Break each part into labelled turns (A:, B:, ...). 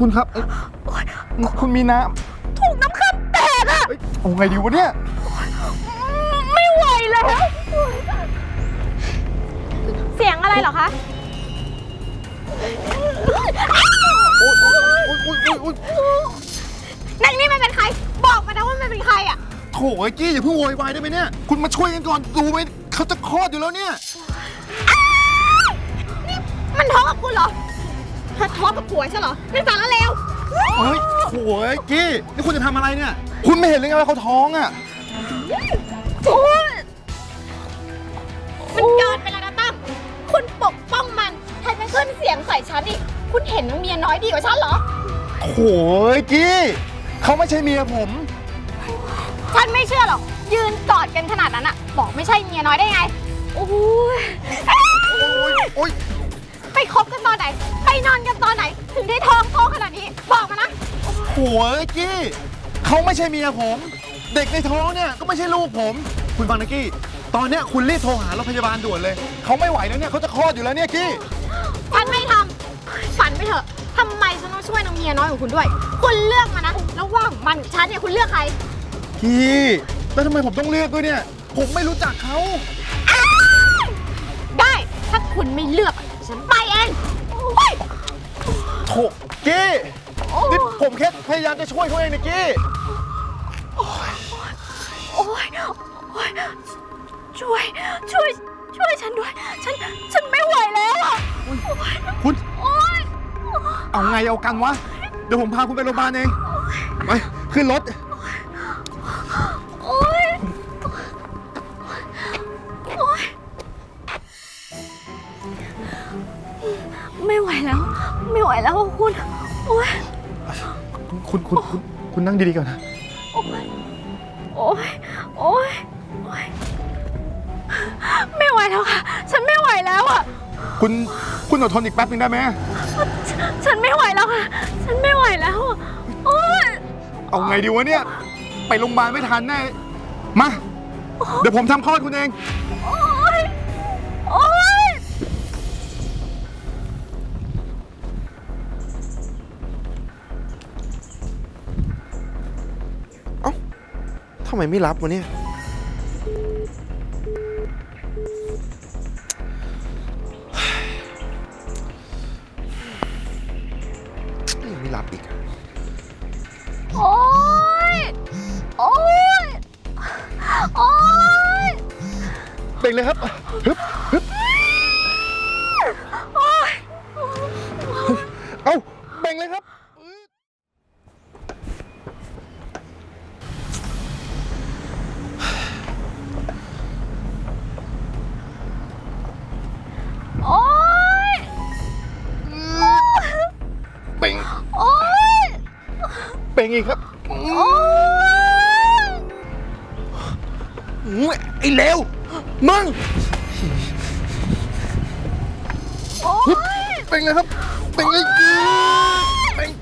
A: คุณครับคุณมีน้
B: ำถูกน้ำค้ำแตกอะ
A: เอาไงดีวะเนี่ย
B: ไม่ไหวแล้วเสียงอะไรเหรอคะนางนี่มันเป็นใครบอกมานะว่ามันเป็นใครอะ
A: โถ่ไอ้กี้อย่าเพิ่งโวยวายได้ไหมเนี่ยคุณมาช่วยกันก่อนดูไหมเขาจะคลอดอยู่แล้วเนี่ย
B: นี่มันท้องกับคุณเหรอท้องกับผัวใช่เหรอไม่ฟังแล้วเร็ว
A: เฮ้ยโถ่ไอ้กี้นี่คุณจะทำอะไรเนี่ยคุณไม่เห็นเลยไงว่าเขาท้องอ่ะ
B: มันเกินไปแล้วนะตั้มคุณปกป้องมันแทนจะขึ้นเสียงใส่ฉันอีกคุณเห็นนางเมียน้อยดีกว่าฉันเหรอ
A: โถ่ไอ้กี้เขาไม่ใช่เมียผม
B: ฉันไม่เชื่อหรอกยืนกอดกันขนาดนั้นอะบอกไม่ใช่เมียน้อยได้ไงโอ้ยไปคบกันตอนไหนไปนอนกันตอนไหนถึงได้ท้องโตขนาดนี้บอกมานะ
A: โถ่ไอ้กี้เขาไม่ใช่เมียผมเด็กในท้องเนี่ยก็ไม่ใช่ลูกผมคุณฟังนะกี้ตอนเนี้ยคุณรีบโทรหารถพยาบาลด่วนเลยเขาไม่ไหวแล้วเนี่ยเขาจะคลอดอยู่แล้วเนี่ยกี้
B: ฉันไม่ทำฝันไปเถอะทำไมฉันต้องช่วยนางเมียน้อยของคุณด้วยคุณเลือกมานะระหว่างมันกับฉันเนี่ยคุณเลือกใคร
A: กี้แล้วทำไมผมต้องเลือกด้วยเนี่ยผมไม่รู้จักเขา
B: ได้ถ้าคุณไม่เลือกฉันไปเอง
A: โถกี้นี่ผมแค่พยายามจะช่วยเขาเองนะกี้
B: โอ๊ยช่วยฉันด้วยฉันไม่ไหวแล้วอ่ะ
A: คุณเอาไงเอากันวะเดี๋ยวผมพาคุณไปโรงพยาบาลเองไปขึ้นรถ
B: ไม่ไหวแล้วคุณโอ๊ย
A: คุณนั่งดีๆก่อนนะ
B: โอ๊ยไม่ไหวแล้วค่ะฉันไม่ไหวแล้วอ่ะ
A: คุณอดทนอีกแป๊บนึงได้ไหม
B: ฉันไม่ไหวแล้วค่ะฉันไม่ไหวแล้วโอ๊ย
A: เอาไงดีวะเนี่ยไปโรงพยาบาลไม่ทันแน่มาเดี๋ยวผมทำคลอดคุณเอง
B: โอ๊ย
A: ทำไมไม่รับวะเนี่ยไม่รับอีก
B: โอ๊ย
A: เบ่งเลยครับฮึบเอาเบ่งเลยครับเบ่งอีกครับไอ้เลวมึงเบ่งเลยครับเบ่งเลยเบ่ง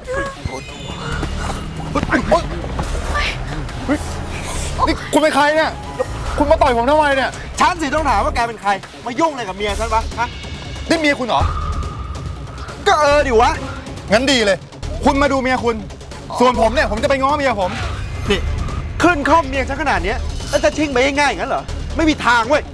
A: นี่คุณเป็นใครเนี่ยคุณมาต่อยผมทำไมเนี่ย
C: ฉันสิต้องถามว่าแกเป็นใครมายุ่งอะไรกับเมียฉันวะฮะ
A: นี่เมียคุณเหรอ
C: ก็ดิวะ
A: งั้นดีเลยคุณมาดูเมียคุณส่วนผมเนี่ยผมจะไปง้อเมียผม
C: นี่ขึ้นข้อมเมียฉันขนาดนี้แล้วจะทิ้งไปง่ายๆอย่างนั้นเหรอไม่มีทางเว้ย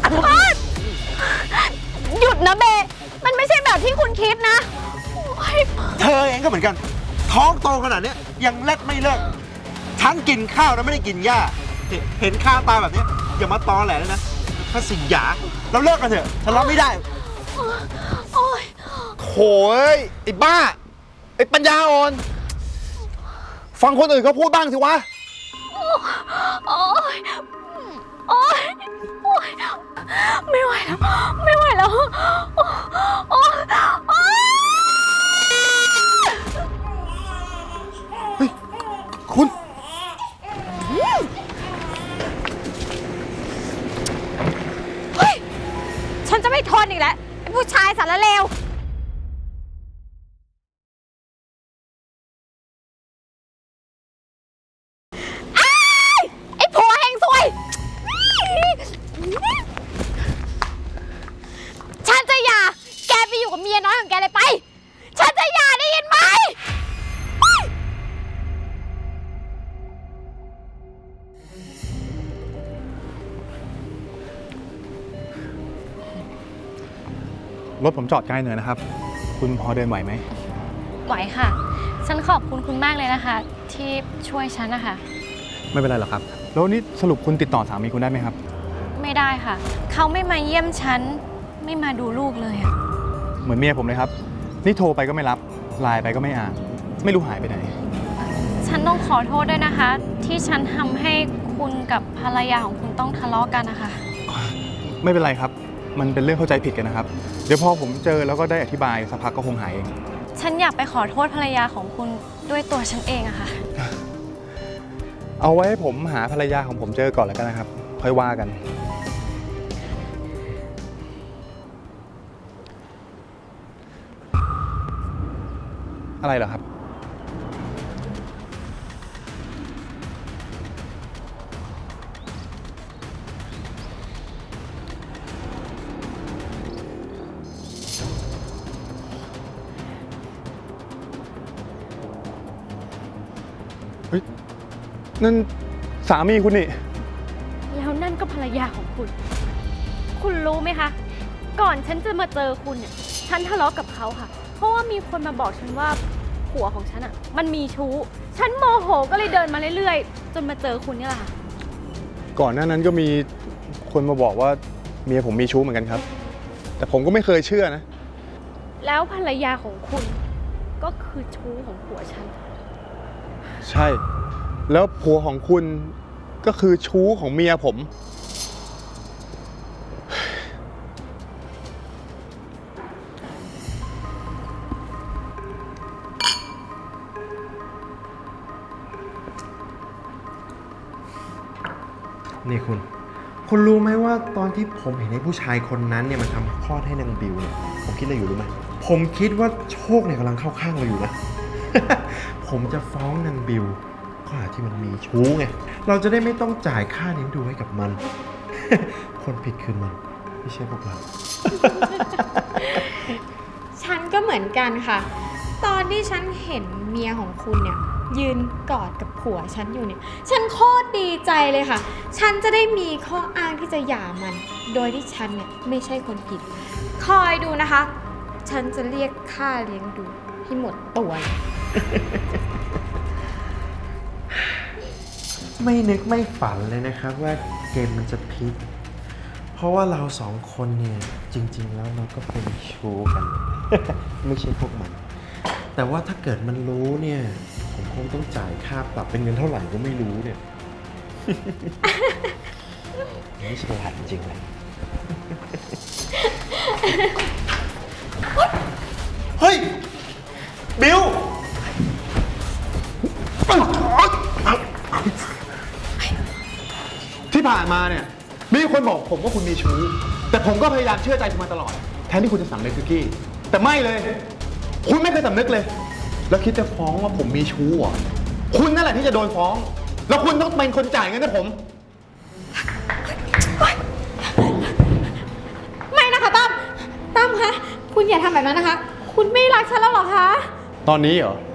B: หยุดนะเบมันไม่ใช่แบบที่คุณคิดนะ
C: เธอเองก็เหมือนกันท้องโตขนาดนี้ยังเล็ดไม่เลิกฉันกินข้าวแล้วไม่ได้กินหญ้าเห็นข้าวตาแบบนี้อย่ามาตอแหลเลยนะถ้าสิหยาเราเลิกกันเถอะฉันรับไม่ได้
A: โถ่ไอ้บ้าไอ้ปัญญาอ่อนฟังคนอื่นเขาพูดบ้างสิวะ
B: ไม่ไหวแล้ว
A: เฮ้ยคุณ
B: ฉันจะไม่ทนอีกแล้วไอ้ผู้ชายสารเลวไอ้ผัวเฮงซวยฉันจะหย่าแกไปอยู่กับเมียน้อยของแกเลยไปฉันจะหย่าได้ยินไหม
A: รถผมจอดใกล้เนินนะครับ คุณพอเดินไหวไหม
D: ไหวค่ะ ฉันขอบคุณคุณมากเลยนะคะ ที่ช่วยฉันนะคะ
A: ไม่เป็นไรหรอกครับ แล้วนี่สรุปคุณติดต่อสามีคุณได้ไหมครับ
D: ไม่ได้ค่ะ เขาไม่มาเยี่ยมฉัน ไม่มาดูลูกเลยอะ
A: เหมือนเมียผมเลยครับ นี่โทรไปก็ไม่รับ ไลน์ไปก็ไม่อ่าน ไม่รู้หายไปไหน
D: ฉันต้องขอโทษด้วยนะคะ ที่ฉันทำให้คุณกับภรรยาของคุณต้องทะเลาะกันนะคะ
A: ไม่เป็นไรครับ มันเป็นเรื่องเข้าใจผิดกันนะครับ เดี๋ยวพอผมเจอแล้วก็ได้อธิบายสักพักก็คงหายเอง
D: ฉันอยากไปขอโทษภรรยาของคุณด้วยตัวฉันเองอะค่ะ
A: เอาไว้ให้ผมหาภรรยาของผมเจอก่อนแล้วกันนะครับ ค่อยว่ากัน อะไรเหรอครับ เฮ้ย นั่นสามีคุณนี่
D: แล้วนั่นก็ภรรยาของคุณ คุณรู้ไหมคะ ก่อนฉันจะมาเจอคุณเนี่ย ฉันทะเลาะกับเขาค่ะ เพราะว่ามีคนมาบอกฉันว่าผัวของฉันอ่ะ มันมีชู้ ฉันโมโหก็เลยเดินมาเรื่อยๆ จนมาเจอคุณเนี่ยแหละค่ะ
A: ก่อนหน้านั้นก็มีคนมาบอกว่าเมียผมมีชู้เหมือนกันครับ แต่ผมก็ไม่เคยเชื่อนะ
D: แล้วภรรยาของคุณก็คือชู้ของผัวฉัน
A: ใช่ แล้วผัวของคุณก็คือชู้ของเมียผม
C: นี่คุณรู้ไหมว่าตอนที่ผมเห็นไอ้ผู้ชายคนนั้นเนี่ยมันทำคลอดให้นางบิวเนี่ยผมคิดอะไรอยู่รู้ไหมผมคิดว่าโชคเนี่ยกำลังเข้าข้างเราอยู่นะ ผมจะฟ้องนางบิวข้อหาที่มันมีชู้ไงเราจะได้ไม่ต้องจ่ายค่าเลี้ยงดูให้กับมัน คนผิดคือมันไม่ใช่พวกเรา
B: ฉันก็เหมือนกันค่ะ ตอนที่ฉันเห็นเมียของคุณเนี่ยยืนกอดกับผัวฉันอยู่เนี่ย ฉันโคตรดีใจเลยค่ะ ฉันจะได้มีข้ออ้างที่จะหย่ามัน โดยที่ฉันเนี่ยไม่ใช่คนผิด คอยดูนะคะ ฉันจะเรียกค่าเลี้ยงดูให้หมดตัวเลย
C: ไม่นึกไม่ฝันเลยนะครับว่าเกมมันจะพลิก เพราะว่าเราสองคนเนี่ยจริง ๆ แล้วเราก็เป็นชู้กัน ไม่ใช่พวกมัน แต่ว่าถ้าเกิดมันรู้เนี่ย ผมคงต้องจ่ายค่าปรับเป็นเงินเท่าไหร่ก็ไม่รู้เนี่ย ไม่ฉลาดจริงเลย เฮ้ย บิว
A: ที่ผ่านมาเนี่ยมีคนบอกผมว่าคุณมีชู้ แต่ผมก็พยายามเชื่อใจคุณมาตลอด แทนที่คุณจะสำนึกคือกี้ แต่ไม่เลย คุณไม่เคยสำนึกเลย แล้วคิดจะฟ้องว่าผมมีชู้เหรอคุณนั่นแหละที่จะโดนฟ้อง แล้วคุณต้องเป็นคนจ่ายเงินให้ผม
B: ไม่นะคะตั้มคะ คุณอย่าทำแบบนั้นนะคะ คุณไม่รักฉันแล้วเหรอคะ
A: ตอนนี้เหรอ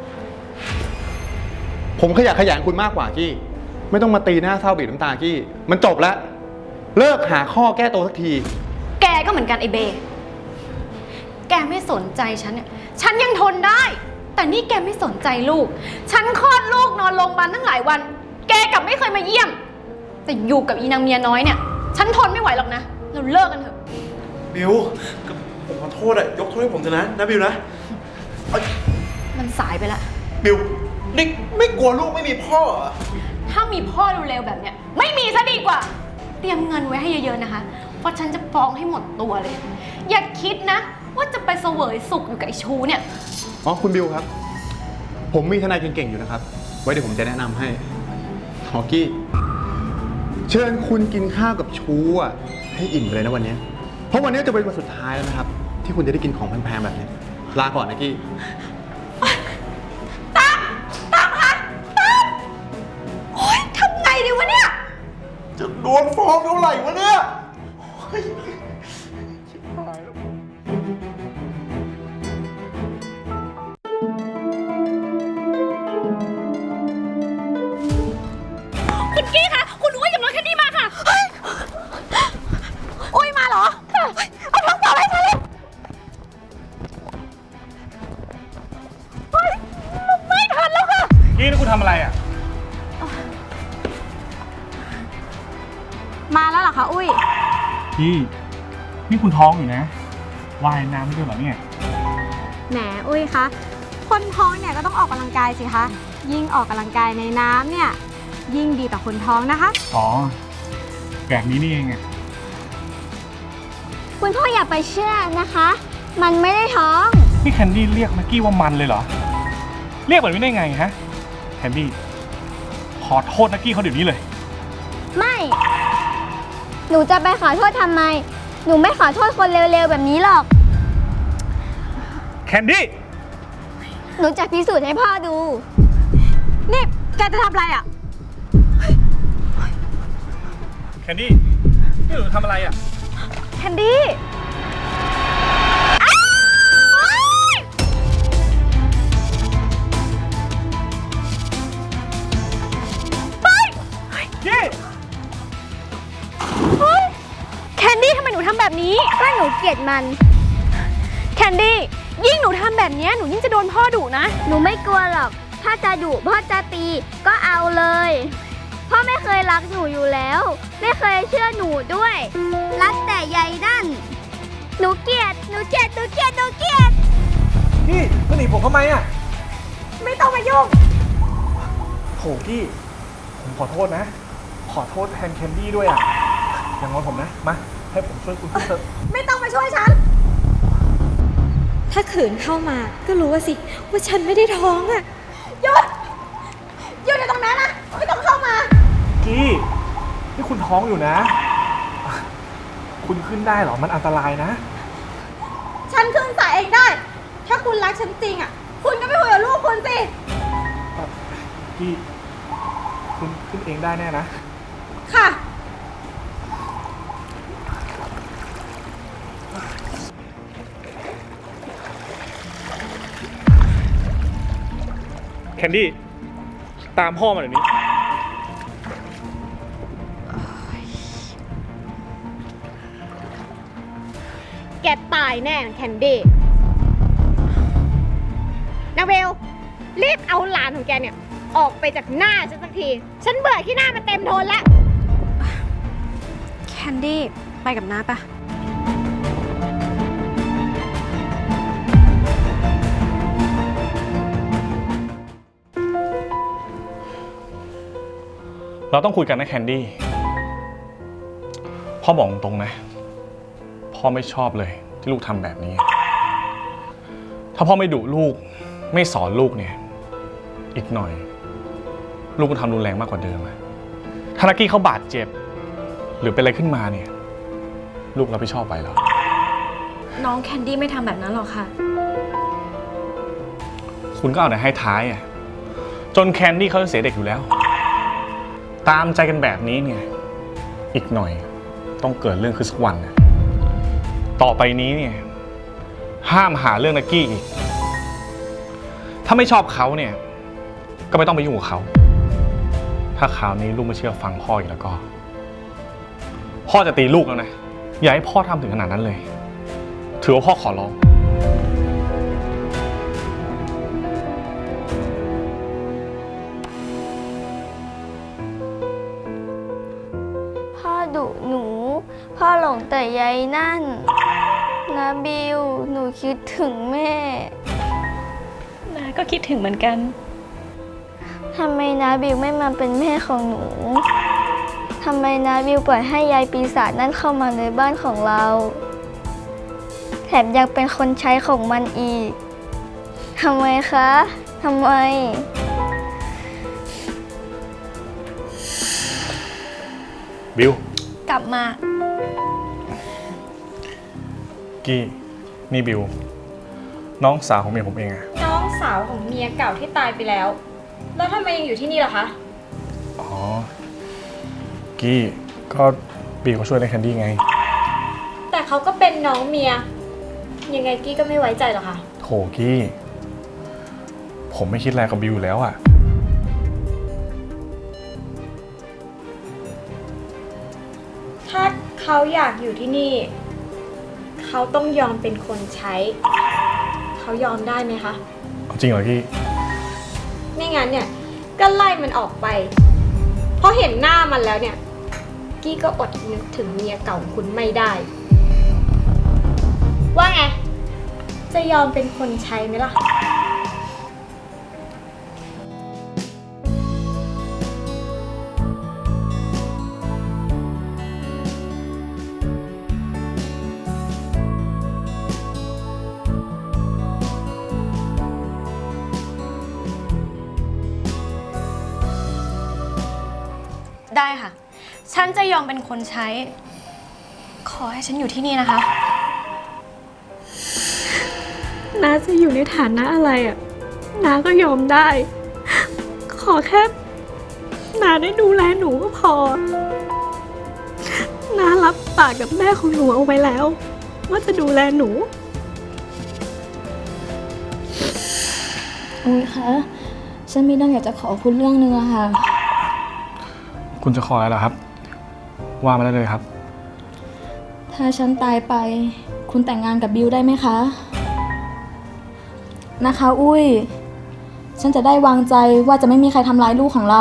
A: ผมขยะแขยงคุณมากกว่ากี้ ไม่ต้องมาตีหน้าเศร้าบีบน้ำตากี้ มันจบแล้ว เลิกหาข้อแก้ตัวสักที
D: แกก็เหมือนกันไอเบ แกไม่สนใจฉันเนี่ย ฉันยังทนได้ แต่นี่แกไม่สนใจลูก ฉันคลอดลูกนอนโรงพยาบาลตั้งหลายวัน แกกลับไม่เคยมาเยี่ยม แต่อยู่กับอีนางเมียน้อยเนี่ย ฉันทนไม่ไหวหรอกนะ เราเลิกกันเถอะ
C: บิวผมขอโทษอะยกโทษให้ผมเถอะนะบิวนะเอ้ย
D: มันสายไปละ
C: บิวนี่ไม่กลัวลูกไม่มีพ่อเหรอ
D: ถ้ามีพ่อเร็วๆแบบเนี้ยไม่มีซะดีกว่า เตรียมเงินไว้ให้เยอะๆนะคะ เพราะฉันจะฟ้องให้หมดตัวเลย อย่าคิดนะ ว่าจะไปเสวยสุขอยู่กับไอ้ชูเนี่ย
A: อ๋อคุณบิวครับ ผมมีทนายเก่งๆอยู่นะครับ ไว้เดี๋ยวผมจะแนะนำให้ฮอกกี้ เชิญคุณกินข้าวกับชูอ่ะให้อิ่มไปเลยนะวันนี้ เพราะวันนี้จะเป็นวันสุดท้ายแล้วนะครับ ที่คุณจะได้กินของแพงๆแบบนี้ ลาก่อนนะกี้
B: โอ๊ยทำไงดีวะเนี่ย
C: จะโดนฟ้องเท่าไหร่วะเนี่ย
D: คุณกี้คะคุณอุ้ยกับน้องแคนดี้มาค่ะ
B: อุ้ยมาเหรอเอาท้องเปล่าให้ฉันเลยมาแล้วเหรอคะอุ้ย
E: พี่นี่คุณท้องอยู่นะว่ายน้ำไม่ด้วยเหรอเนี่ย
B: แหมอุ้ยคะคนท้องเนี่ยก็ต้องออกกำลังกายสิคะยิ่งออกกำลังกายในน้ำเนี่ยยิ่งดีต่อคนท้องนะคะ
E: อ๋อแบบนี้นี่เองอะ
F: คุณพ่ออย่าไปเชื่อนะคะ มันไม่ได้ท้อง
E: นี่แคนดี้เรียกนักกี้ว่ามันเลยเหรอเรียกแบบนี้ได้ไงฮะแคนดี้ขอโทษนักกี้เขาเดี๋ยวนี้เลย
F: ไม่ หนูจะไปขอโทษทำไม หนูไม่ขอโทษคนเร็วๆแบบนี้หรอก
E: แคนดี้
F: หนูจะพิสูจน์ให้พ่อดู
B: นี่แกจะทำอะไรอ่ะ
E: แคนดี้นี่หนูทำอะไรอะ
B: แคนดี้
E: กี้
D: แคนดี้ทำไมหนูทำแบบนี้
F: ก็หนูเกลียดมัน
D: แคนดี้ยิ่งหนูทำแบบนี้หนูยิ่งจะโดนพ่อดุนะ
F: หนูไม่กลัวหรอก ถ้าจะดุพ่อจะตีก็เอาเลย พ่อไม่เคยรักหนูอยู่แล้ว ไม่เคยเชื่อหนูด้วย รักแต่ใยนั่น หนูเกลียด หนูเกลียด หนูเกลียด หนูเกลียด
E: กี้มาหนีผมทำไมอะ
B: ไม่ต้องมายุ่ง
E: โถกี้ผมขอโทษนะ ขอโทษแทนแคนดี้ด้วยอะอย่างงอนผมนะมาให้ผมช่วยคุณขึ้นเถอะ
B: ไม่ต้องมาช่วยฉัน ถ้าขืนเข้ามาก็รู้ว่าสิว่าฉันไม่ได้ท้องอ่ะหยุดอยู่ตรงนั้นนะไม่ต้องเข้ามา
E: กี้นี่คุณท้องอยู่นะ คุณขึ้นได้เหรอมันอันตรายนะ
B: ฉันขึ้นสายเองได้ ถ้าคุณรักฉันจริงอ่ะคุณก็ไม่คุยกับลูกคุณสิ
E: กี้คุณขึ้นเองได้แน่นะ
B: ค่ะ
E: แคนดี้ตามพ่อมาเดี๋ยวนี้
B: แกตายแน่แคนดี้นาเวลรีบเอาหลานของแกเนี่ย ออกไปจากหน้าฉันสักที ฉันเบื่อที่หน้ามันเต็มทนแล้ว
D: แคนดี้ไปกับน้าปะ
E: เราต้องคุยกันนะแคนดี้พ่อบอกตรงนะพ่อไม่ชอบเลยที่ลูกทำแบบนี้ ถ้าพ่อไม่ดุลูกไม่สอนลูกเนี่ยอีกหน่อย ลูกก็ทำรุนแรงมากกว่าเดิมอะถ้านักกี้เขาบาดเจ็บ หรือเป็นอะไรขึ้นมาเนี่ยลูกรับผิดชอบไปเหรอ
D: น้องแคนดี้ไม่ทำแบบนั้นหรอกค่ะ
E: คุณก็เอาแต่ให้ท้ายอะจนแคนดี้เขาจะเสียเด็กอยู่แล้ว ตามใจกันแบบนี้เนี่ยอีกหน่อยต้องเกิดเรื่องขึ้นสักวันนะต่อไปนี้เนี่ยห้ามหาเรื่องนักกี้อีกถ้าไม่ชอบเขาเนี่ยก็ไม่ต้องไปยุ่งกับเขาถ้าคราวนี้ลูกไม่เชื่อฟังพ่ออีกแล้วก็พ่อจะตีลูกแล้วนะอย่าให้พ่อทำถึงขนาดนั้นเลยถือว่าพ่อขอร้อง
F: พ่อดุหนู พ่อหลงแต่ใยนั่นนะบิว หนูคิดถึงแม่
D: น้าก็คิดถึงเหมือนกัน
F: ทำไมนะบิวไม่มาเป็นแม่ของหนู ทำไมนะบิวปล่อยให้ยายปีศาจนั่นเข้ามาในบ้านของเรา แถมยังเป็นคนใช้ของมันอีก ทำไมคะ ทำไม
E: บิว
D: กลับมา
E: กี้นี่บิวน้องสาวของเมียผมเองอะ
B: น้องสาวของเมียเก่าที่ตายไปแล้ว แล้วทำไมยังอยู่ที่นี่ล่ะคะ
E: อ๋อกี้ก็บิวเขาช่วยในแคนดี้ไง
B: แต่เขาก็เป็นน้องเมีย ยังไงกี้ก็ไม่ไว้ใจหรอกค่ะ
E: โถกี้ผมไม่คิดอะไรกับบิวอยู่แล้วอะ
B: ถ้าเขาอยากอยู่ที่นี่ เขาต้องยอมเป็นคนใช้ เขายอมได้ไหมคะ
E: จริงเหรอกี้
B: ไม่งั้นเนี่ยก็ไล่มันออกไป เพราะเห็นหน้ามันแล้วเนี่ยกี้ก็อดนึกถึงเมียเก่าคุณไม่ได้ ว่าไง จะยอมเป็นคนใช้ไหมล่ะ
D: ได้ค่ะ ฉันจะยอมเป็นคนใช้ ขอให้ฉันอยู่ที่นี่นะคะ
B: น้าจะอยู่ในฐานะอะไรอ่ะ น้าก็ยอมได้ ขอแค่น้าได้ดูแลหนูก็พอ น้ารับปากกับแม่ของหนูเอาไว้แล้ว ว่าจะดูแลหนู
G: อุ้ยคะฉันมีเรื่องอยากจะขอคุณเรื่องนึงอะค่ะ
E: คุณจะขออะไรเหรอครับ ว่ามาได้เลยครับ
G: ถ้าฉันตายไป คุณแต่งงานกับบิวได้ไหมคะ นะคะ อุ้ย ฉันจะได้วางใจว่าจะไม่มีใครทำร้ายลูกของเรา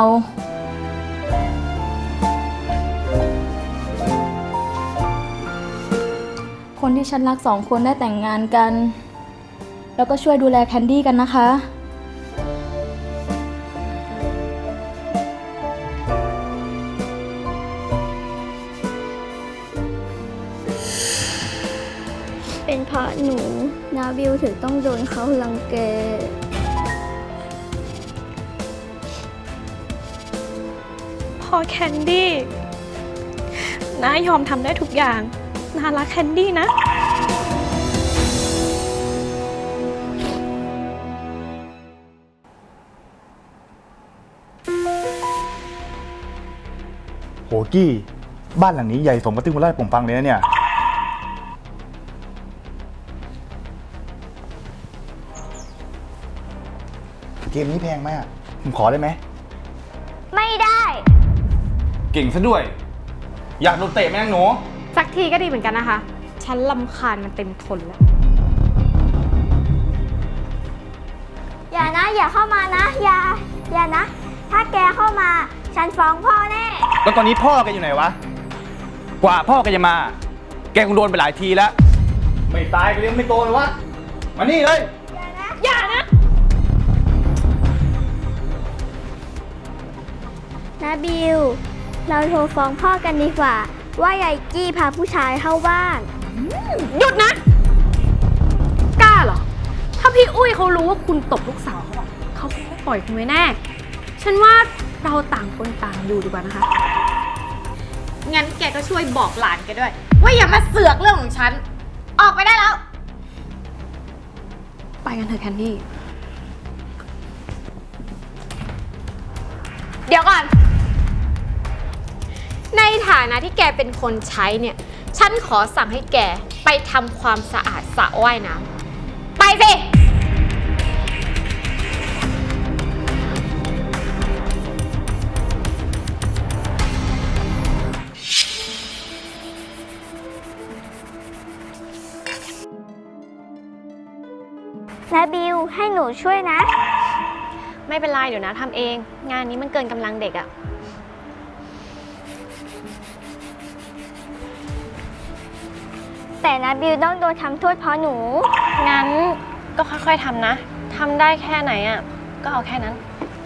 G: คนที่ฉันรักสองคนได้แต่งงานกัน แล้วก็ช่วยดูแลแคนดี้กันนะคะ
F: เป็นเพราะหนูนาบิวถึงต้องโดนเขารังแก
B: พอแคนดี้น้ายอมทำได้ทุกอย่างน้ารักแคนดี้นะ
H: โหกี้ บ้านหลังนี้ใหญ่สมกับที่คุณเล่าให้ผมฟังเลยนะเนี่ย เกมนี้แพงไหมอ่ะ ผมขอได้ไหม
F: ไม่ได้
E: เก่งซะด้วย อยากโดนเตะไหมนางหนู
B: สักทีก็ดีเหมือนกันนะคะ ฉันลำคาญมันเต็มทนแล้ว
F: อย่านะ อย่าเข้ามานะ อย่านะ ถ้าแกเข้ามา ฉันฟ้องพ่อแน่
H: แล้วตอนนี้พ่อแกอยู่ไหนวะ กว่าพ่อแกจะมา แกคงโดนไปหลายทีแล้ว ไม่ตายก็ยังไม่โตเลยวะ มานี่เลย
F: นะบิว เราโทรฟ้องพ่อกันดีกว่า ว่ายายกี้พาผู้ชายเข้าบ้าน
D: หยุดนะ กล้าเหรอ ถ้าพี่อุ้ยเขารู้ว่าคุณตบลูกสาวเขาอะเขาคงไม่ปล่อยคุณไว้แน่ ฉันว่าเราต่างคนต่างอยู่ดีกว่านะคะ
B: งั้นแกก็ช่วยบอกหลานแกด้วย ว่าอย่ามาเสือกเรื่องของฉัน ออกไปได้แล้ว
D: ไปกันเถอะแคนดี้
B: เดี๋ยวก่อน ในฐานะที่แกเป็นคนใช้เนี่ย ฉันขอสั่งให้แกไปทำความสะอาดสระว่ายน้ำไปสิ
F: นะบิว ให้หนูช่วยนะ
D: ไม่เป็นไรเดี๋ยวนะทำเอง งานนี้มันเกินกำลังเด็กอะ
F: แต่นะบิวต้องโดนทำโทษเพราะหนู
D: งั้นก็ค่อยๆทำนะ ทำได้แค่ไหนอะก็เอาแค่นั้น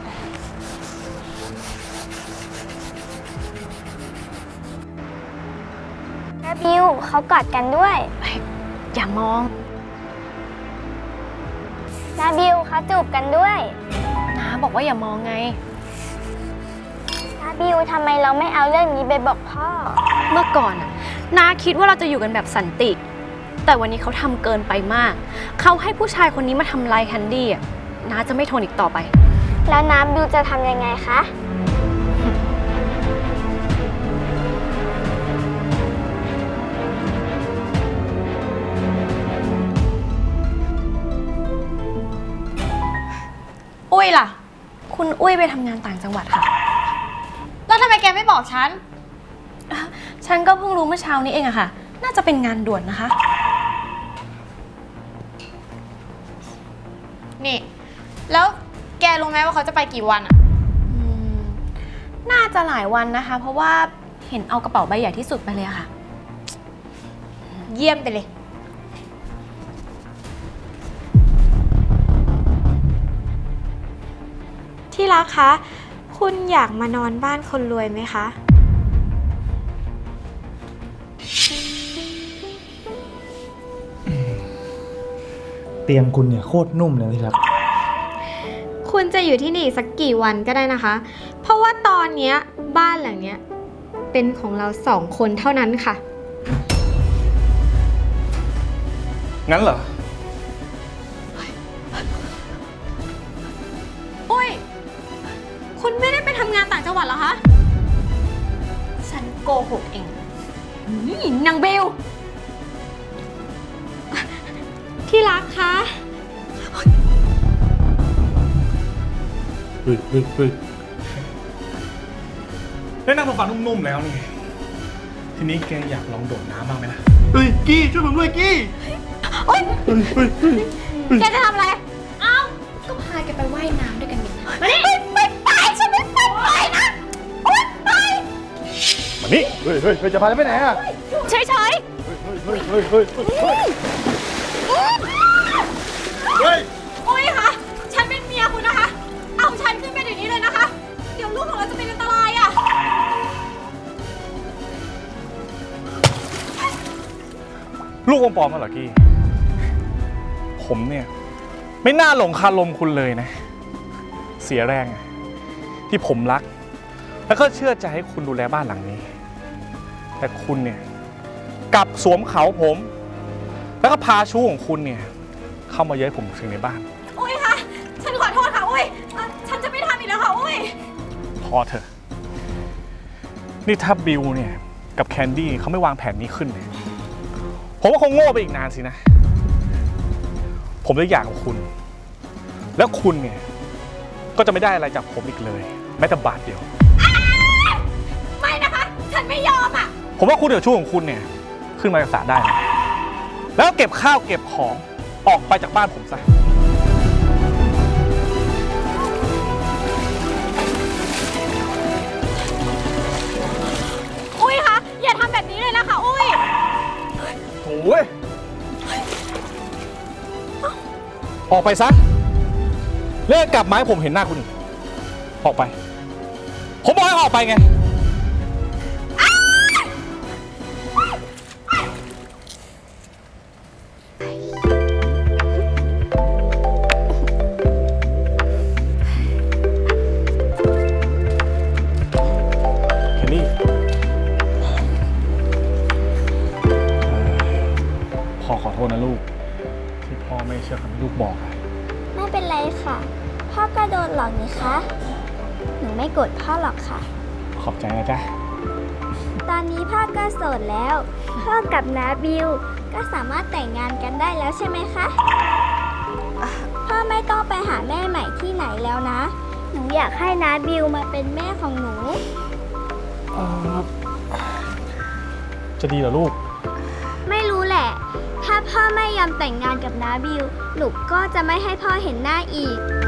F: นะบิวเขากอดกันด้วย
D: อย่ามอง
F: นะบิวเขาจูบกันด้วย
D: นะบอกว่าอย่ามองไง
F: นะบิวทำไมเราไม่เอาเรื่องนี้ไปบอกพ่อ
D: เมื่อก่อนน่ะนาคิดว่าเราจะอยู่กันแบบสันติ แต่วันนี้เขาทำเกินไปมาก เขาให้ผู้ชายคนนี้มาทำลายแคนดี้อ่ะนาจะไม่ทนอีกต่อไป
F: แล้วน้ำบิวจะทำยังไงคะ
D: อุ้ยล่ะ คุณอุ้ยไปทำงานต่างจังหวัดค่ะ
B: แล้วทำไมแกไม่บอกฉัน
D: ฉันก็เพิ่งรู้เมื่อเช้านี้เองอะค่ะ น่าจะเป็นงานด่วนนะคะ
B: นี่ แล้วแกรู้ไหมว่าเขาจะไปกี่วันอะ
D: น่าจะหลายวันนะคะ เพราะว่าเหเห็นเอากระเป๋าใบใหญ่ที่สุดไปเลยอะค่ะ
B: เยี่ยมไปเลย ที่รักคะ คุณอยากมานอนบ้านคนรวยไหมคะ
H: เตียงคุณเนี่ยโคตรนุ่มเลยที่รัก
B: คุณจะอยู่ที่นี่สักกี่วันก็ได้นะคะ เพราะว่าตอนเนี้ยบ้านหลังเนี้ยเป็นของเรา2 คนเท่านั้นค่ะ
E: งั้นเหรอ
B: อุ้ย คุณไม่ได้ไปทำงานต่างจังหวัดเหรอคะ ฉันโกหกเองนี่นางเบล ที่รักคะ
E: ได้นั่งโซฟานุ่มๆแล้วนี่ ทีนี้แกอยากลองโดดน้ำบ้างไหมล่ะ
A: เฮ้ย กี้ ช่วยผมด้วยกี้
B: แกจะทำอะไร
D: เอ้า ก็พาแกไปว่ายน้ำด้วยกันนี่นะมานี่
B: ไม่ไป ฉันไม่ไปนะ โอ๊ยไป
E: มานี่
A: เฮ้ย จะพาไปไหนอ่ะ
D: เฉย
B: อุ้ยคะฉันเป็นเมียคุณนะคะ เอาฉันขึ้นไปเดี๋ยวนี้เลยนะคะ เดี๋ยวลูกของเราจะเป็นอันตรายอ่ะ
E: ลูกอมปลอมมาเหรอกี้ ผมเนี่ย ไม่น่าหลงคาลมคุณเลยนะ เสียแรงอะที่ผมรัก แล้วก็เชื่อใจให้คุณดูแลบ้านหลังนี้ แต่คุณเนี่ยกลับสวมเขาผม แล้วก็พาชู้ของคุณเนี่ย เข้ามาเย้ยผมถึงในบ้าน
B: อุ้ยคะ ฉันขอโทษค่ะ อุ้ยฉันจะไม่ทำอีกแล้วค่ะ อุ้ย
E: พอเถอะ นี่ถ้าบิวเนี่ย กับแคนดี้เขาไม่วางแผนนี้ขึ้นเนี่ย ผมว่าคงโง่ไปอีกนานสินะ ผมเลยอยากกับคุณ แล้วคุณเนี่ย ก็จะไม่ได้อะไรจากผมอีกเลย แม้แต่บาทเดียว
B: ไม่นะคะ ฉันไม่ยอมอ่ะ
E: ผมว่าคุณเดี๋ยวชู้ของคุณเนี่ย ขึ้นมาจากศาลได้นะแล้วเก็บข้าวเก็บของออกไปจากบ้านผมซะ
B: อุ้ยคะ อย่าทำแบบนี้เลยนะคะ อุ้ย
E: โอ้ย ออกไปซะเลิกกลับมาให้ผมเห็นหน้าคุณอีกออกไป ผมบอกให้ออกไปไง เคนนี่พ่อขอโทษนะลูก ที่พ่อไม่เชื่อคำที่ลูกบอกอะ
F: ไม่เป็นไรค่ะ พ่อก็โดนหลอกนี่คะ หนูไม่โกรธพ่อหรอกค่ะ
E: ขอบใจนะจ๊ะ
F: ตอนนี้พ่อก็โสดแล้ว พ่อกับน้าบิวก็สามารถแต่งงานกันได้แล้วใช่ไหมคะ พ่อไม่ต้องไปหาแม่ใหม่ที่ไหนแล้วนะ หนูอยากให้น้าบิวมาเป็นแม่ของหนู
E: จะดีเหรอลูก
F: ไม่รู้แหละ ถ้าพ่อไม่ยอมแต่งงานกับน้าบิว หนูก็จะไม่ให้พ่อเห็นหน้าอีก